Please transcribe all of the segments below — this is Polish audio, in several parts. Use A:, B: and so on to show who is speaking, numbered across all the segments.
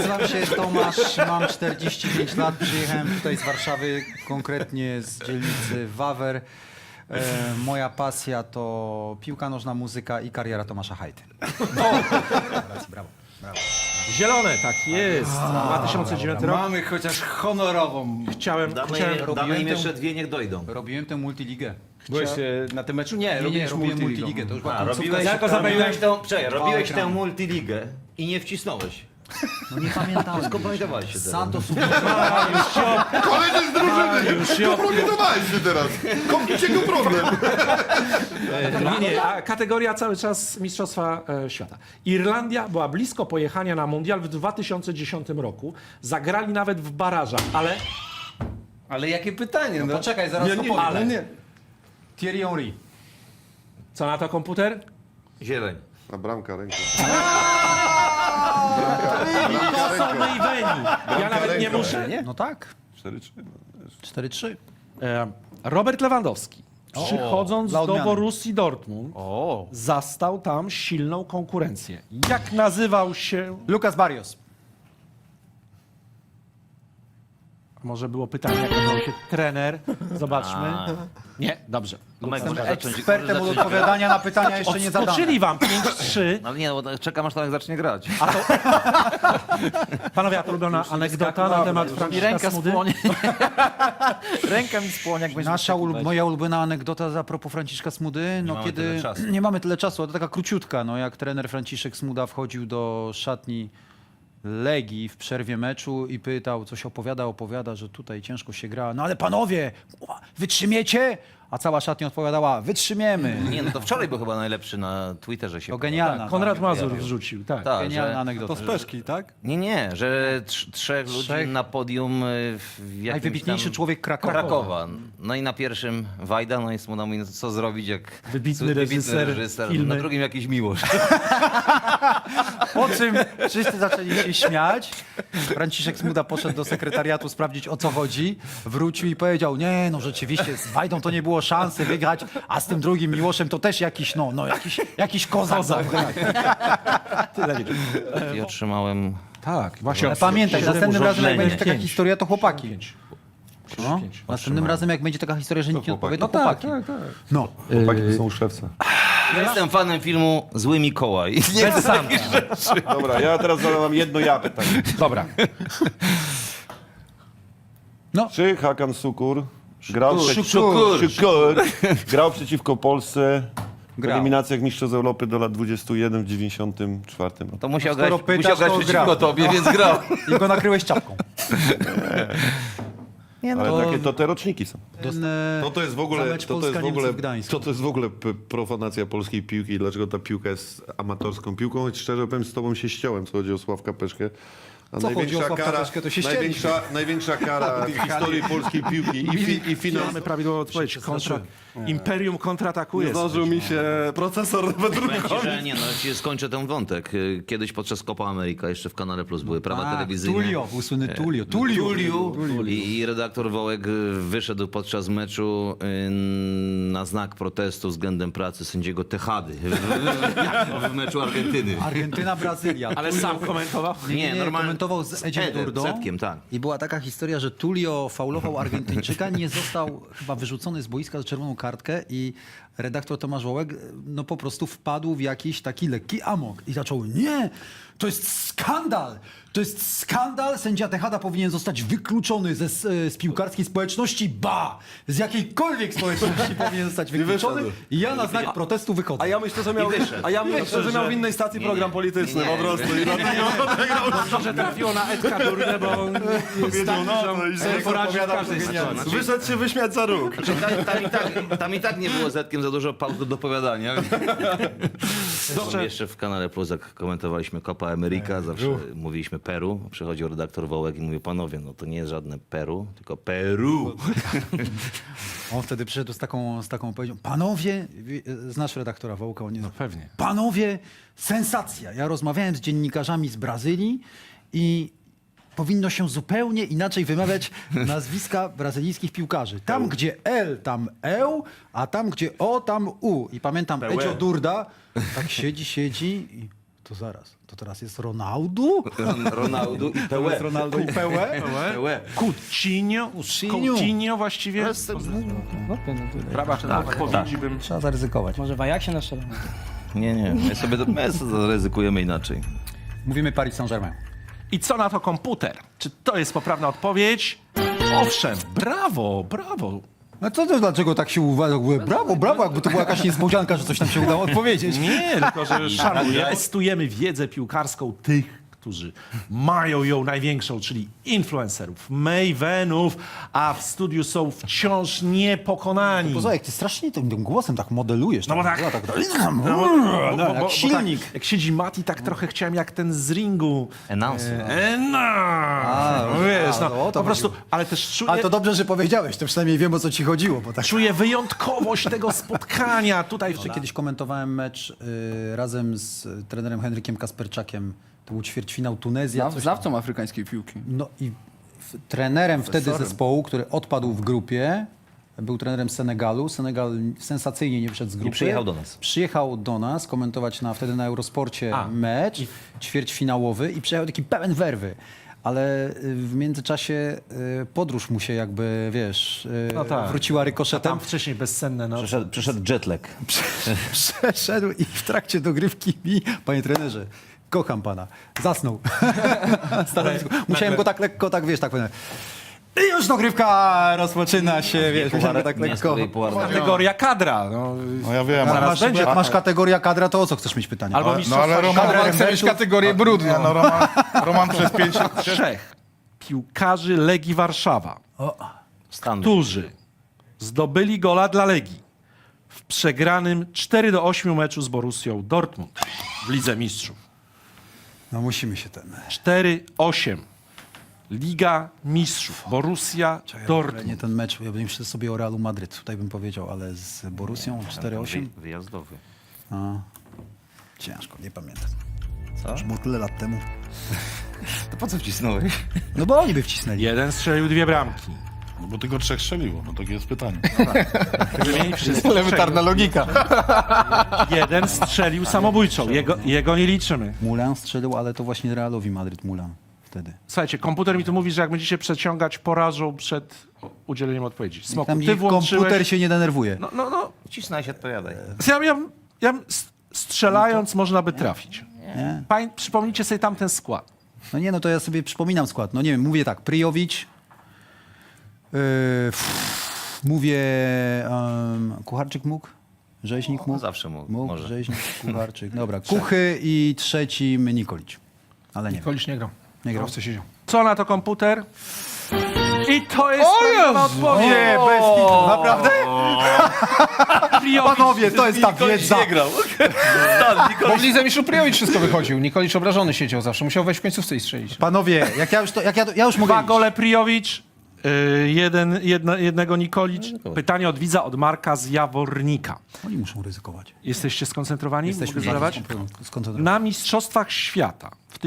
A: Nazywam się Tomasz, mam 45 lat, przyjechałem tutaj z Warszawy, konkretnie z dzielnicy Wawer. Moja pasja to piłka nożna, muzyka i kariera Tomasza Hajty. Brawo.
B: Zielone, tak jest. 2009 rok.
A: Mamy chociaż honorową.
C: Damy im jeszcze dwie, niech dojdą.
A: Robiłem tę multiligę.
D: Byłeś na tym meczu? Nie,
A: Nie, robiłem multiligę. To już była końcówka.
C: Robiłeś tę multiligę i nie wcisnąłeś.
A: No nie pamiętam.
C: Skomplementowałeś się teraz.
A: Santos
E: Koledzy z drużyny! Kompromitowałeś się teraz. Komplicie go problem.
B: Nie, a kategoria cały czas Mistrzostwa Świata. Irlandia była blisko pojechania na mundial w 2010 roku. Zagrali nawet w barażach, ale
D: Ale jakie pytanie? No,
A: poczekaj, zaraz to powiem.
D: ale nie.
A: Thierry Henry.
B: co na to komputer?
C: Zieleń.
E: A bramka ręką.
B: Do samej Weni. Ja nawet nie muszę.
A: No tak.
E: 4-3.
A: 4-3.
B: Robert Lewandowski, przychodząc
A: dla
B: do
A: odmiany.
B: Borussii Dortmund, zastał tam silną konkurencję. Jak nazywał się...
A: Lucas Barrios.
B: Może było pytanie, jak nazywał się trener. Zobaczmy. Nie, dobrze.
C: Tomek, może zacząć.
A: Ekspertem od odpowiadania na pytania jeszcze nie zadane.
B: Odskoczyli wam 5-3.
C: Ale nie, bo czekam aż Tomek zacznie grać.
B: Panowie, a to ulubiona anegdota na temat Franciszka Smudy?
F: Ręka mi spłonie, jak będzie
A: Moja ulubiona anegdota a propos Franciszka Smudy, no
C: mamy
A: kiedy
C: tyle czasu.
A: nie mamy tyle czasu, ale to taka króciutka, no jak trener Franciszek Smuda wchodził do szatni Legii w przerwie meczu i pytał, coś opowiada, że tutaj ciężko się gra, no ale panowie, wytrzymiecie? A cała szatnia odpowiadała, wytrzymiemy.
C: Nie, no to wczoraj był chyba najlepszy na Twitterze się.
A: To genialna.
B: Konrad Mazur wrzucił, tak.
C: Tak,
A: Genialna
C: że,
A: anegdota.
D: Peszki, tak?
C: nie, że trzech ludzi
A: Trzech.
C: na podium w jakimś
A: Najwybitniejszy
C: tam
A: człowiek Krakowa.
C: Krakowa. No i na pierwszym Wajda, no i Smuda mówi, no co zrobić, jak
B: Wybitny reżyser, filmy.
C: na drugim jakiś Miłosz.
A: Po czym wszyscy zaczęli się śmiać. Franciszek Smuda poszedł do sekretariatu sprawdzić, o co chodzi. Wrócił i powiedział, nie, no rzeczywiście, z Wajdą to nie było szansy wygrać, a z tym drugim Miłoszem to też jakiś kozak.
B: Tyle.
C: I otrzymałem...
B: Tak, właśnie.
A: Ale pamiętaj, następnym razem jak będzie taka
B: Pięć.
A: historia, to chłopaki. No,
B: Pięć.
A: następnym razem jak będzie taka historia, że nikt nie odpowie, to
B: Tak,
A: chłopaki.
B: tak.
A: No.
E: Chłopaki to są szewce.
C: Ja jestem fanem filmu Zły Mikołaj.
B: Bez Santa.
E: Dobra, ja teraz zadam jedno pytanie.
B: Dobra.
E: Czy Hakan Sukur grał,
C: Szukur.
E: grał przeciwko Polsce w
A: Grał.
E: eliminacjach Mistrzostw Europy do lat 21 w 94 roku?
C: To musiał
A: skoro
C: grać,
A: pytasz,
C: musiał grać
A: to
C: przeciwko
A: grał.
C: tobie, więc grał.
A: I go nakryłeś czapką.
E: Ale takie to te roczniki są.
G: To jest w
A: Za
G: ogóle,
A: mecz Polska-Niemcy w Gdańsku.
G: to jest w ogóle profanacja polskiej piłki i dlaczego ta piłka jest amatorską piłką. Choć szczerze powiem, z tobą się ściąłem, co chodzi o Sławka Peszkę. A
A: Co chodzi o Sławka Peszkę, to się ścięliśmy.
G: największa kara w historii polskiej piłki i finał.
B: Mamy prawidłową odpowiedź. Imperium kontratakuje.
D: Zdążył mi się procesor
C: Powiem
D: wydrukować.
C: ci, że nie, no ci skończę ten wątek. Kiedyś podczas Copa America, jeszcze w Kanale Plus były prawa telewizyjne.
A: Tulio, słynny Tulio.
C: I redaktor Wołek wyszedł podczas meczu na znak protestu względem pracy sędziego Techady w meczu Argentyny.
A: Argentyna, Brazylia.
B: Ale sam komentował.
A: Nie,
C: normalnie
A: komentował z Edziem Durdą.
C: Zetkiem, tak.
A: I była taka historia, że Tulio faulował Argentyńczyka, nie został chyba wyrzucony z boiska za czerwoną kartkę i redaktor Tomasz Wołek no po prostu wpadł w jakiś taki lekki amok i zaczął, nie, to jest skandal, to jest skandal, sędzia Tejada powinien zostać wykluczony z piłkarskiej społeczności, z jakiejkolwiek społeczności powinien zostać wykluczony i ja na znak protestu wychodzę.
D: A ja myślę, że miał, w innej stacji program polityczny po prostu. I dlatego
B: Że trafiło na Edka Durdę, bo on jest taki, że sobie poradzi w każdej sytuacji.
D: wyszedł się wyśmiać za róg.
C: Tam i tak nie było Zetkiem za dużo pauz do dopowiadania. Jeszcze w Kanale Plus, jak komentowaliśmy Copa America, zawsze mówiliśmy Peru. Przychodził redaktor Wołek i mówił, panowie, no to nie jest żadne Peru, tylko Peru.
A: On wtedy przyszedł z taką powiedzią, panowie, znasz redaktora Wołka? On nie
B: No pewnie.
A: Panowie, sensacja. Ja rozmawiałem z dziennikarzami z Brazylii i powinno się zupełnie inaczej wymawiać nazwiska brazylijskich piłkarzy. Tam, gdzie L, tam Eł, a tam, gdzie O, tam U. I pamiętam, Edzio Durda tak siedzi i To zaraz. To teraz jest Ronaldo?
C: Ronaldo i
A: To jest
C: Pełe.
A: Ronaldo i Pełe?
B: Coutinho właściwie. Prawa odpowiedzi bym...
A: Trzeba zaryzykować.
F: Może w Ajaxie na szczerze?
C: Nie, my sobie zaryzykujemy inaczej.
A: Mówimy Paris Saint-Germain.
B: I co na to komputer? Czy to jest poprawna odpowiedź? Owszem, brawo.
A: No to dlaczego tak się uważa? Brawo, jakby to była jakaś niespodzianka, że coś nam się udało odpowiedzieć.
B: Nie, tylko że szanujemy. Testujemy wiedzę piłkarską tych, którzy mają ją największą, czyli influencerów, mavenów, a w studiu są wciąż niepokonani.
A: Poza jak ty strasznie tym głosem tak modelujesz.
B: No bo tak.
A: Jak silnik.
B: Tak, jak siedzi Mati, tak trochę chciałem jak ten z ringu.
C: Announcer.
B: No wiesz,
A: no, o to
B: po prostu, ale też czuję...
A: Ale to dobrze, że powiedziałeś, to przynajmniej wiem, o co ci chodziło. Bo tak...
B: Czuję wyjątkowość tego spotkania tutaj.
A: Kiedyś komentowałem mecz razem z trenerem Henrykiem Kasperczakiem. To był ćwierćfinał Tunezja.
F: Znawcą afrykańskiej piłki.
A: No i trenerem wtedy zespołu, który odpadł w grupie, był trenerem Senegalu. Senegal sensacyjnie nie wszedł z grupy.
C: przyjechał do nas.
A: Przyjechał do nas komentować wtedy na Eurosporcie mecz ćwierćfinałowy i przyjechał taki pełen werwy. Ale w międzyczasie podróż mu się jakby, wiesz, wróciła rykoszetem.
B: Tam wcześniej bezsenne. No.
C: Przyszedł jetlag.
A: Przeszedł i w trakcie dogrywki mi, panie trenerze, kocham pana. Zasnął. Musiałem go tak lekko, tak wiesz, tak powiem. I już dogrywka rozpoczyna się, wiesz, musiałem go tak lekko.
B: Kategoria kadra. No,
E: No ja wiem,
B: Zaraz
A: Masz,
B: będzie.
A: jak masz kategoria kadra, to o co chcesz mieć pytanie?
B: albo
E: no
B: mistrzostwa
E: ale Roman,
F: Kadra, chcę mieć kategorię brudną.
E: nie, no Roman przez 5...
B: trzech piłkarzy Legii Warszawa,
C: Stan.
B: którzy zdobyli gola dla Legii w przegranym 4-8 meczu z Borussią Dortmund w Lidze Mistrzów.
A: No musimy się ten...
B: 4-8. Liga Mistrzów. Borussia Dortmund.
A: Nie ten mecz, ja bym myślał sobie o Realu Madryt, tutaj bym powiedział, ale z Borussią 4-8?
C: Wyjazdowy.
A: Ciężko, nie pamiętam.
C: Co?
A: Już było tyle lat temu.
C: To po co wcisnąłeś?
A: No bo oni by wcisnęli.
B: Jeden strzelił 2 bramki.
E: No bo tylko 3 strzeliło, no takie jest pytanie.
B: Wymienić wszystkich
F: Elementarna logika.
B: Jeden strzelił samobójczą. Jego nie liczymy.
A: Mulan strzelił, ale to właśnie Realowi Madryt Mulan wtedy.
B: Słuchajcie, komputer mi tu mówi, że jak będziecie przeciągać, porażą przed udzieleniem odpowiedzi. Smoku,
A: Tam
B: ty włączyłeś...
A: komputer się nie denerwuje.
B: No.
C: Wcisnąć się, odpowiadaj.
B: Strzelając można by trafić.
A: Nie?
B: Przypomnijcie sobie tamten skład.
A: No nie, no to ja sobie przypominam skład. No nie wiem, mówię tak, Pryjowicz, mówię, Kucharczyk mógł? Rzeźnik mógł?
C: Zawsze mógł,
A: Mógł,
C: może.
A: Rzeźnik, Kucharczyk. Dobra, Kuchy i trzecim Nikolić. Ale nie wiem.
F: Kolicz nie grał.
A: Nie grał.
F: Prosto siedział.
B: Co na to komputer? I to jest prawidłowa odpowiedź.
A: Nie, bez kitu, naprawdę?
B: Pryjowicz.
A: Panowie, to jest ta wiedza.
F: Bo w Lidze Mistrzów Pryjowicz wszystko wychodził. Nikolicz obrażony siedział zawsze. Musiał wejść w końcówce i strzelić.
A: Panowie, ja już mogę
B: 2
A: iść.
B: gole Pryjowicz, jednego Nikolicz. Pytanie od widza, od Marka z Jawornika.
A: Oni muszą ryzykować.
B: Jesteście skoncentrowani?
A: Jesteśmy
B: Mogę zadawać?
A: skoncentrowani.
B: Na Mistrzostwach Świata w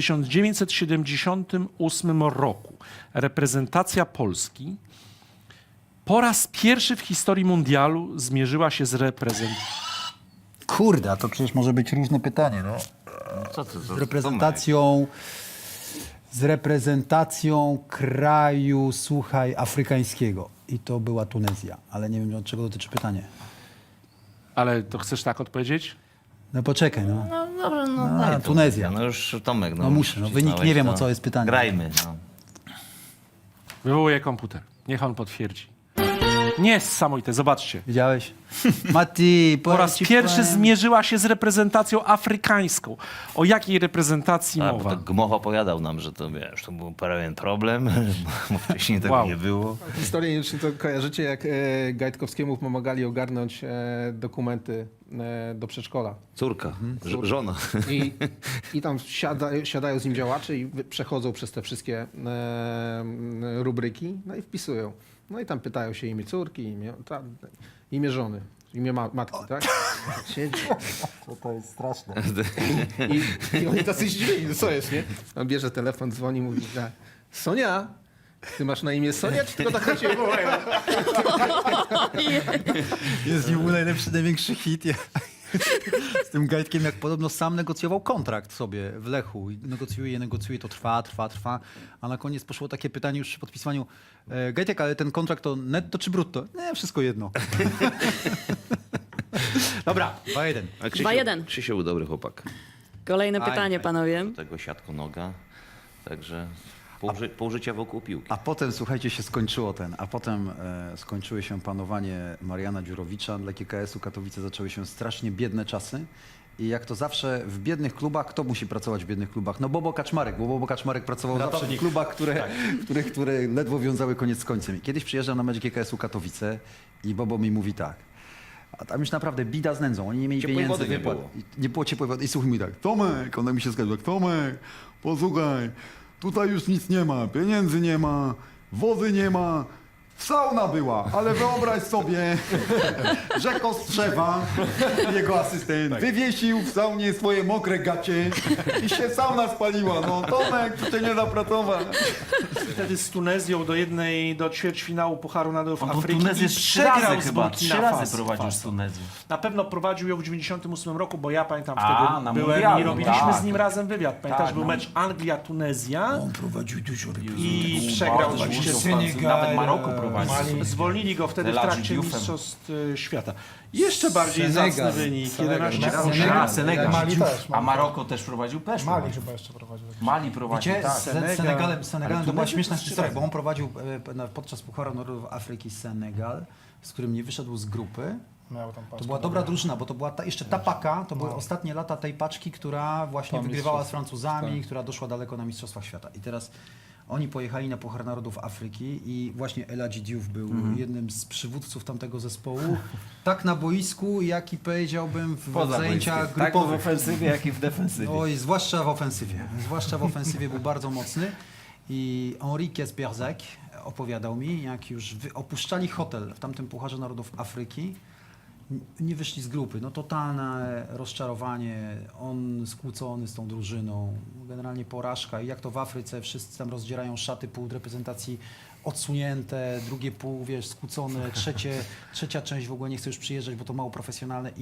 B: 1978 roku reprezentacja Polski po raz pierwszy w historii mundialu zmierzyła się z
A: Kurde, a to przecież może być różne pytanie, no.
C: Co to za
A: Z reprezentacją kraju, słuchaj, afrykańskiego. I to była Tunezja, ale nie wiem, od czego dotyczy pytanie.
B: Ale to chcesz tak odpowiedzieć?
A: No poczekaj, no.
C: No dobrze, no
A: A,
C: daj to.
A: Tunezja.
C: No już Tomek,
A: No muszę, no wynik nie wiem, o co jest pytanie.
C: Grajmy, no.
B: Wywołuję komputer. Niech on potwierdzi. Niesamowite, zobaczcie.
A: Widziałeś? Mati,
B: Po raz pierwszy zmierzyła się z reprezentacją afrykańską. O jakiej reprezentacji
C: A, bo
B: mowa?
C: tak Gmoch opowiadał nam, że to, wiesz, to był pewien problem, bo wcześniej tego
B: Wow.
C: nie było.
H: Historię, nie wiem, czy to kojarzycie, jak Gajtkowskiemu pomagali ogarnąć dokumenty do przedszkola.
C: Córka, żona.
H: I tam siadają z nim działacze i przechodzą przez te wszystkie rubryki, no i wpisują. No i tam pytają się imię córki, imię żony, imię matki, tak? Siedzi. To jest straszne. I oni tacy zdziwieni, no co jest, nie? On bierze telefon, dzwoni, mówi, Sonia, ty masz na imię Sonia, czy tylko tak na ciebie wołają?
A: Jest nim najlepszy, największy hit. z tym Gajtkiem, jak podobno sam negocjował kontrakt sobie w Lechu. I negocjuje, to trwa, a na koniec poszło takie pytanie już przy podpisywaniu. Gajtek, ale ten kontrakt to netto czy brutto? Nie, wszystko jedno. Dobra, 2-1.
C: A
I: 2-1.
C: Krzysiu był dobry chłopak.
I: Kolejne pytanie, panowie.
C: Tego siatko noga. Także pół życia wokół piłki.
A: A potem, słuchajcie, się skończyło skończyły się panowanie Mariana Dziurowicza. Dla GKS-u Katowice zaczęły się strasznie biedne czasy. I jak to zawsze w biednych klubach, kto musi pracować w biednych klubach? No Bobo Kaczmarek, bo Bobo Kaczmarek pracował zawsze w klubach, które ledwo wiązały koniec z końcem. I kiedyś przyjeżdżam na mecz GKS-u Katowice i Bobo mi mówi tak. A tam już naprawdę bida z nędzą. Oni nie mieli
C: Ciepłej
A: pieniędzy.
C: wody nie
A: wypłat.
C: było.
A: Nie było ciepłej wody. I słuchaj mi tak, Tomek, ona mi się zgadza, Tomek, posłuchaj, tutaj już nic nie ma, pieniędzy nie ma, wody nie ma, sauna była, ale wyobraź sobie, że Kostrzewa, jego asystent, wywiesił w saunie swoje mokre gacie i się sauna spaliła. No Tomek, tu cię nie da pracować.
B: Wtedy z Tunezją do ćwierćfinału Pucharu Narodów Afryki
J: Tunezję
B: i przegrał z Burkina
J: trzy razy
B: Faso.
J: prowadził z Tunezją.
B: Na pewno prowadził ją w 98 roku, bo ja pamiętam
J: A,
B: wtedy
J: na
B: byłem
J: mundialu,
B: i robiliśmy
J: tak.
B: z nim razem wywiad. Pamiętasz,
J: Tak,
B: był
J: no.
B: mecz Anglia-Tunezja
A: On prowadził dużo
B: i przegrał oczywiście z
J: Nawet Maroko prowadził.
B: Zwolnili go wtedy w
J: Eladji
B: trakcie
J: Dioufem.
B: Mistrzostw Świata. Jeszcze bardziej
A: Senegal.
B: zacny wynik, 11
J: A, Senegal.
D: Mali też.
J: A Maroko też prowadził? Też
D: Mali
J: prowadził.
D: chyba jeszcze prowadził.
J: Mali prowadził,
A: Wiecie,
J: tak.
A: z Senegalem to była śmieszna
J: trzy
A: historia,
J: razy.
A: bo on prowadził podczas Pucharu Narodów Afryki Senegal, z którym nie wyszedł z grupy.
D: Miał tam
A: To była dobra drużyna, bo to była jeszcze ta paka, to były ostatnie lata tej paczki, która właśnie wygrywała z Francuzami, która doszła daleko na Mistrzostwach Świata. I teraz oni pojechali na Puchar Narodów Afryki i właśnie Eladji Diouf był jednym z przywódców tamtego zespołu. Tak na boisku, jak i powiedziałbym w zajęciach
J: Tak w
A: grupowych.
J: ofensywie, jak i w defensywie.
A: Oj, zwłaszcza w ofensywie. Zwłaszcza w ofensywie był bardzo mocny. I Enrique Berzec opowiadał mi, jak już opuszczali hotel w tamtym Pucharze Narodów Afryki, nie wyszli z grupy. No totalne rozczarowanie, on skłócony z tą drużyną, generalnie porażka. I jak to w Afryce, wszyscy tam rozdzierają szaty, pół reprezentacji odsunięte, drugie pół, wiesz, skłócone, trzecia część w ogóle nie chce już przyjeżdżać, bo to mało profesjonalne.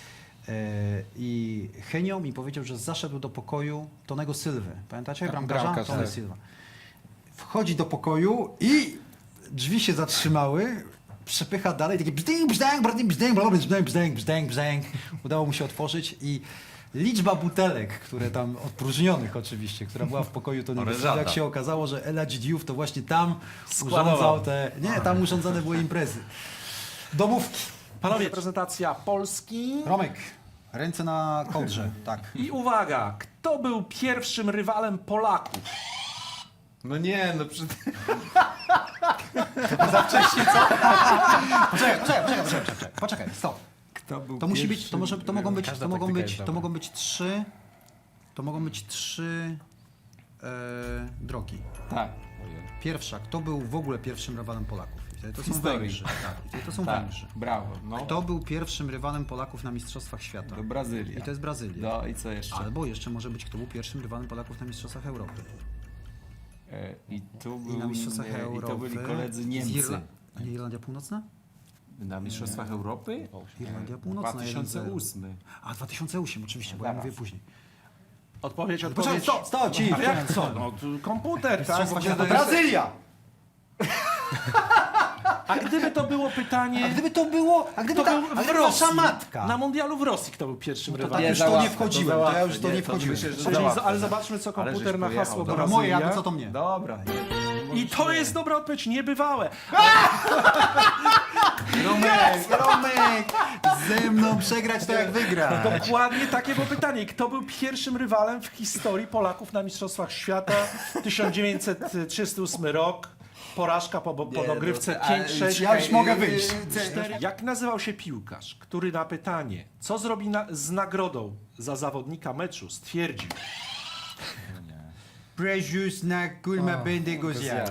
A: I Henio mi powiedział, że zaszedł do pokoju Tonego Sylwy. Pamiętacie? Bramkarza? Tony Silva. Wchodzi do pokoju i drzwi się zatrzymały, przepycha dalej, takie bzdęk, bzdęk, bzdęk, bzdęk, bzdęk, bzdęk, bzdęk. Udało mu się otworzyć i liczba butelek, które tam, odpróżnionych oczywiście, która była w pokoju Tonego Sylwy, jak się okazało, że Eladji Diouf to właśnie tam urządzał tam urządzane były imprezy. Domówki.
B: Panowie, prezentacja Polski.
A: Romek, ręce na kołdrze, tak.
B: I uwaga, kto był pierwszym rywalem Polaków?
F: No nie, no przy...
A: Poczekaj, stop. To musi być, to mogą być trzy drogi.
J: Tak.
A: Pierwsza, kto był w ogóle pierwszym rywalem Polaków? I wtedy to są
J: historii.
A: Węgrzy. Tak, i wtedy to są
J: Tak,
A: Węgrzy.
J: brawo. No.
A: Kto był pierwszym rywalem Polaków na Mistrzostwach Świata?
J: To Brazylia.
A: I to jest Brazylia.
J: No i co jeszcze?
A: Albo jeszcze może być, kto był pierwszym rywalem Polaków na Mistrzostwach Europy.
J: I tu
A: I na Mistrzostwach
J: i
A: Europy.
J: to byli koledzy
A: z
J: Niemcy.
A: A nie Irlandia Północna?
J: Na Mistrzostwach Europy?
A: Irlandia Północna.
J: 2008.
A: A 2008 oczywiście, bo ja mówię później.
B: Odpowiedź.
A: Poczekaj, stop, ci.
B: A jak co? No, tu komputer, tak?
A: Mistrzostwa Świata. Brazylia!
B: A gdyby to było pytanie...
A: A gdyby to było,
B: w Rosji,
A: wasza matka.
B: na mundialu w Rosji kto był pierwszym
A: Tak
B: rywalem?
A: już to nie wchodziłem, to ja już to nie wchodziłem.
B: Ale zobaczmy, co komputer na hasło
A: Dobra,
B: Brazylia.
A: moje, a to co to mnie?
J: Dobra.
B: I to jest dobra odpowiedź, niebywałe.
A: Romek, ze mną przegrać to jak wygra.
B: Dokładnie takie było pytanie. Kto był pierwszym rywalem w historii Polaków na Mistrzostwach Świata? 1938 rok. Porażka po dogrywce 5-6.
A: Ja już mogę wyjść.
B: 4. Jak nazywał się piłkarz, który na pytanie, co zrobi z nagrodą za zawodnika meczu, stwierdził:
A: Precious na kurma będę go zjadł.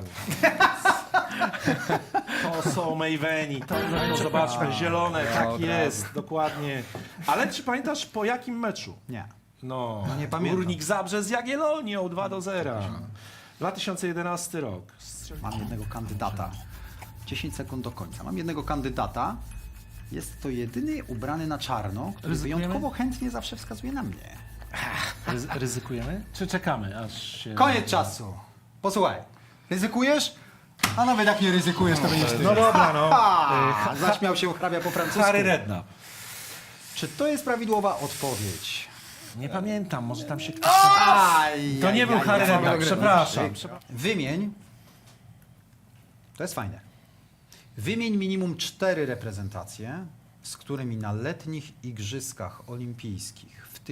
B: to są Mayweni, to zobaczmy, zielone, tak jest, dokładnie. Ale czy pamiętasz po jakim meczu?
A: Nie.
B: No,
A: nie pamiętam.
B: Górnik Zabrze z Jagiellonią 2-0. 2011 rok.
A: Mam jednego kandydata. 10 sekund do końca. Mam jednego kandydata, Jest to jedyny ubrany na czarno, który
B: Ryzykujemy?
A: wyjątkowo chętnie zawsze wskazuje na mnie.
B: Ryzykujemy? Czy czekamy, aż się...
A: Koniec czasu. Posłuchaj, ryzykujesz? A nawet jak nie ryzykujesz, to będziesz ty.
B: No dobra, no.
A: Zaśmiał się hrabia po francusku.
B: Harry Redknapp.
A: Czy to jest prawidłowa odpowiedź?
B: Nie pamiętam, może tam się ktoś...
A: Aj,
B: To nie był Harry Redknapp, przepraszam.
A: Wymień. To jest fajne. Wymień minimum 4 reprezentacje, z którymi na letnich Igrzyskach Olimpijskich w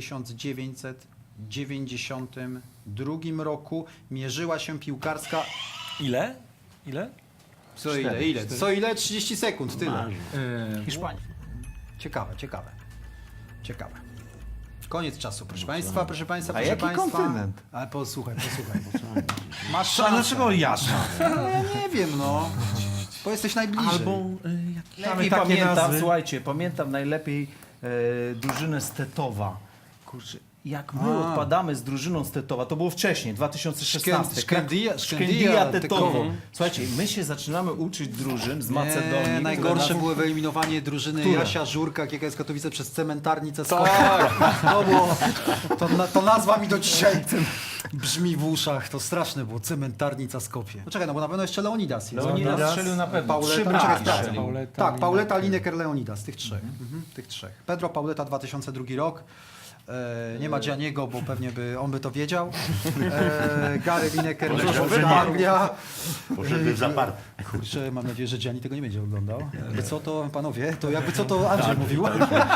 A: 1992 roku mierzyła się piłkarska...
B: Ile? Ile?
A: Co ile? Ile? Co ile? 30 sekund, tyle. Hiszpania. Ciekawe. Koniec czasu, proszę państwa, proszę państwa, proszę
D: jaki
A: państwa.
D: kontynent?
A: Ale posłuchaj. Masz
B: A
A: szansę.
B: dlaczego jasno?
A: No, ja nie wiem, no. Bo jesteś najbliżej.
B: Albo
J: Lepiej
B: takie
J: pamiętam,
B: nazwy.
J: słuchajcie, pamiętam najlepiej drużynę z Tetowa. Kurczę, jak my odpadamy z drużyną z Tetowa, to było wcześniej, 2016.
A: Szkędija
J: Szkędija Tetowo.
A: Tetowo.
J: Słuchajcie, my się zaczynamy uczyć drużyn z Macedonii. które
A: Najgorsze
J: nas-
A: było wyeliminowanie drużyny
J: Które?
A: Jasia Żurka, KKS Katowice przez cementarnicę Skopie. To było, to nazwa mi do dzisiaj brzmi w uszach. To straszne było, cementarnica Skopie. No czekaj, no bo na pewno jeszcze Leonidas jest.
J: Leonidas strzelił na pewno.
A: Pauleta,
J: Trzy
A: czekaj,
J: bramki
A: sprawdzę.
J: strzelił.
A: Tak, Pauleta, Lineker, Leonidas, tych trzech. Tych trzech. Pedro Pauleta 2002 rok. Nie ma Gianniego, bo pewnie on by to wiedział. Gary Lineker, Anglia.
E: Poszedłby w zaparte.
A: Kurczę, mam nadzieję, że Gianni tego nie będzie oglądał. Jakby co to, panowie, to jakby co to Andrzej mówił.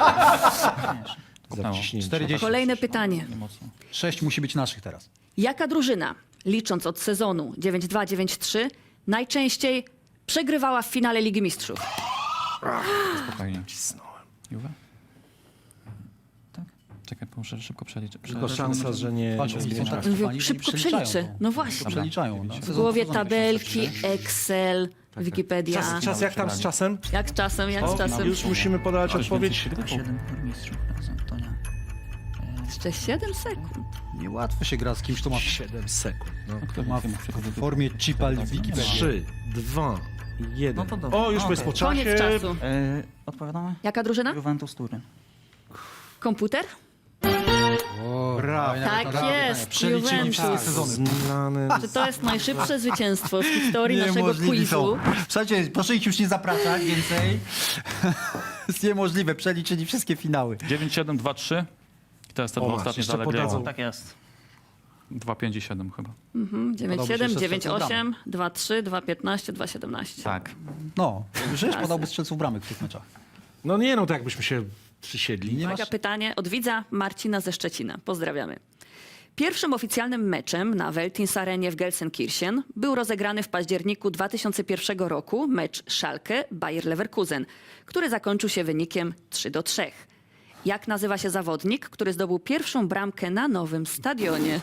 A: 40.
I: Kolejne pytanie.
A: 6 musi być naszych teraz.
I: Jaka drużyna, licząc od sezonu 9-2-9-3, najczęściej przegrywała w finale Ligi Mistrzów?
K: Spokojnie. Juve? Tak? Czekaj, muszę szybko przeliczyć.
B: Tylko szansa, że nie...
A: Patrz, oni są tak
I: Mówił,
A: trwani, że
I: szybko
A: nie przeliczają
I: przeliczy.
A: to.
I: No właśnie.
A: To przeliczają. No.
I: W głowie tabelki, Excel, Wikipedia.
B: Czas jak tam z czasem?
I: Jak z czasem, jak z czasem?
B: Już musimy podać odpowiedź.
K: 7 mistrzów z Antonia.
I: Jeszcze 7 sekund.
A: Niełatwo się gra z kimś, kto ma
B: 7 sekund. No.
A: kto ma w formie chipa Wikipedia.
B: 3, 2, 1.
K: No to dobra.
B: O, już jest po czasie.
I: Koniec czasu.
K: Odpowiadamy?
I: Jaka drużyna?
K: Juventus Turyn.
I: Komputer?
A: Brawo.
I: Tak jest,
A: Przeliczyli wszystkie
I: Juventus.
A: sezony.
B: Milany.
I: Czy to jest najszybsze zwycięstwo w historii naszego
A: Niemożliwi
I: quizu?
A: są. Słuchajcie, proszę ich już nie zapraszać więcej. Jest niemożliwe, przeliczyli wszystkie finały.
K: 9-7-2-3. I to jest te
B: O,
K: dwa
B: masz,
K: ostatnie z
B: jeszcze
K: Allegriego.
B: podadzą.
K: Tak jest. 2-5-7 chyba.
I: 9-7, 9-8, 2-3, 2-15, 2-17.
K: Tak.
A: No, już podałby strzelców bramek w tych meczach.
B: No nie, no to jakbyśmy się przysiedli.
A: Nie
I: Uwaga,
A: masz...
I: pytanie od widza Marcina ze Szczecina. Pozdrawiamy. Pierwszym oficjalnym meczem na Veltins Arenie w Gelsenkirchen był rozegrany w październiku 2001 roku mecz Schalke-Bayer Leverkusen, który zakończył się wynikiem 3-3. Jak nazywa się zawodnik, który zdobył pierwszą bramkę na nowym stadionie?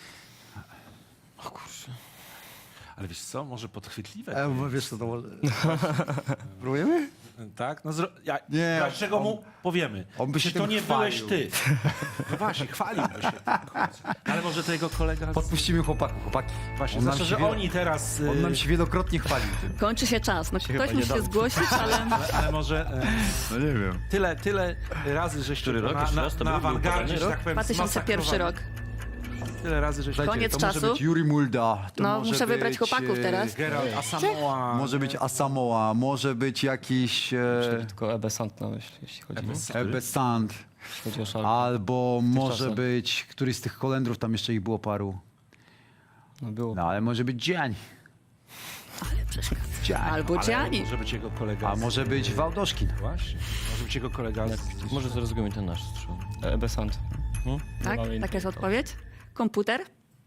B: Ale wiesz co, może podchwytliwe.
A: Wiesz co to... Próbujemy?
B: Tak? No
A: Nie,
B: dlaczego mu powiemy?
A: on by się
B: Czy to
A: tym
B: nie byłeś
A: chwalił.
B: ty? No właśnie, chwaliłby się. Ale może to jego kolega...
A: Podpuścimy chłopaki.
B: Właśnie,
A: On nam
B: znaczy,
A: się
B: że
A: wielo-
B: oni teraz...
A: On nam się wielokrotnie chwalił tym.
I: Kończy się czas. No, ktoś musi się zgłosić, ale...
B: Ale może
E: No nie wiem.
B: tyle razy, żeście na awangardzie, że tak powiem,
I: 2001 rok.
B: Tyle razy, żeście...
I: Koniec
A: to
I: czasu.
A: może być Yuri Mulda. To
I: No,
A: może
I: muszę wybrać
A: być,
I: chłopaków teraz.
B: Geralt Asamoah.
A: Może być Asamoah, może być jakiś
F: Tylko Ebe Sant na myśli, jeśli chodzi
A: Ebbe Sand,
F: chodzi o Szalkę.
A: albo może
F: czasach.
A: być któryś z tych Holendrów, tam jeszcze ich było paru.
F: No było.
A: No ale może być Gianni. Gianni.
I: Albo Gianni.
B: Może być jego kolega.
A: A może być Wałdoszkin.
B: Właśnie. Może być jego kolega.
F: Może zrozumiem ten nasz strzał. Ebe Sant.
I: Tak? Taka jest odpowiedź? Komputer?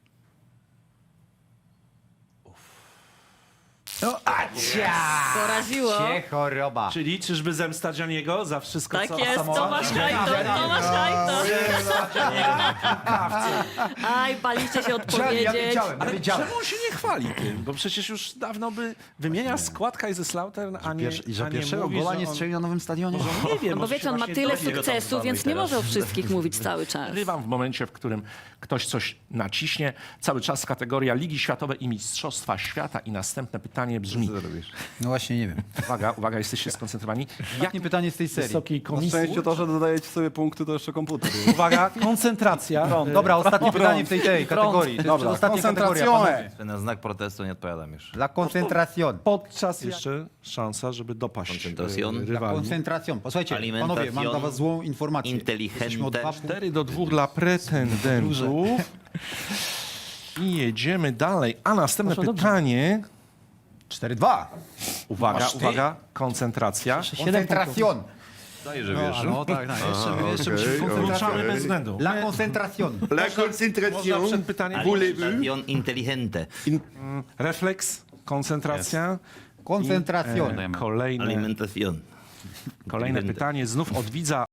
A: No,
I: Poraziło.
A: choroba.
B: Czyli czyżby zemsta Gianniego za wszystko,
I: Tak
B: co
I: jest,
B: Asamoah?
I: Tomasz Hajto, Tomasz Hajto. Aj, paliście się odpowiedzieć.
A: Ja wiedziałem.
B: Czemu on się nie chwali tym? Bo przecież już dawno by wymienia skład Kaiserslautern, a nie
A: I że
B: a nie
A: pierwszego
B: mówi,
A: gola
B: że
A: nie
B: on-
A: strzelił na nowym stadionie?
B: Nie wiem,
I: No bo
B: może
I: wiecie,
B: się
I: on ma
B: właśnie
I: tyle
B: dowie.
I: sukcesów, więc nie może o wszystkich mówić cały czas.
B: Rywam w momencie, w którym ktoś coś naciśnie. Cały czas kategoria Ligi Światowe i Mistrzostwa Świata. I następne pytanie brzmi:
C: robisz.
A: No właśnie, nie wiem.
B: Uwaga, jesteście skoncentrowani.
A: Jakie pytanie z tej serii?
B: Wysokiej
D: Na
B: komisji.
D: szczęście to, że dodajecie sobie punkty, to jeszcze komputer.
B: Uwaga, koncentracja.
A: Dobra, ostatnie pytanie w tej kategorii. To jest
D: Dobra,
A: ostatnia kategoria,
D: koncentrazione.
A: panowie.
C: Na znak protestu nie odpowiadam już.
A: La concentración.
B: Podczas jeszcze szansa, żeby dopaść
C: Koncentracjon.
B: e,
A: La
B: rywali.
A: concentración. Posłuchajcie,
C: Alimentación.
A: panowie, mam dla was złą informację.
C: Inteligente.
A: Jesteśmy o 2
B: 4-2 dla pretendentów. I jedziemy dalej. A następne pytanie.
A: 4-2.
B: Uwaga, koncentracja.
A: Concentración.
C: Daj, że
A: No,
C: wiesz.
A: no tak, tak. Jeszcze musimy
B: Ruszamy
A: koncentrację.
B: bez względu.
A: La concentración.
G: La
B: Można
G: concentración.
B: przed pytaniem.
C: Alimentación inteligente.
B: Refleks, koncentracja.
A: Concentración.
B: Kolejne
C: Alimentación.
B: pytanie znów od widza.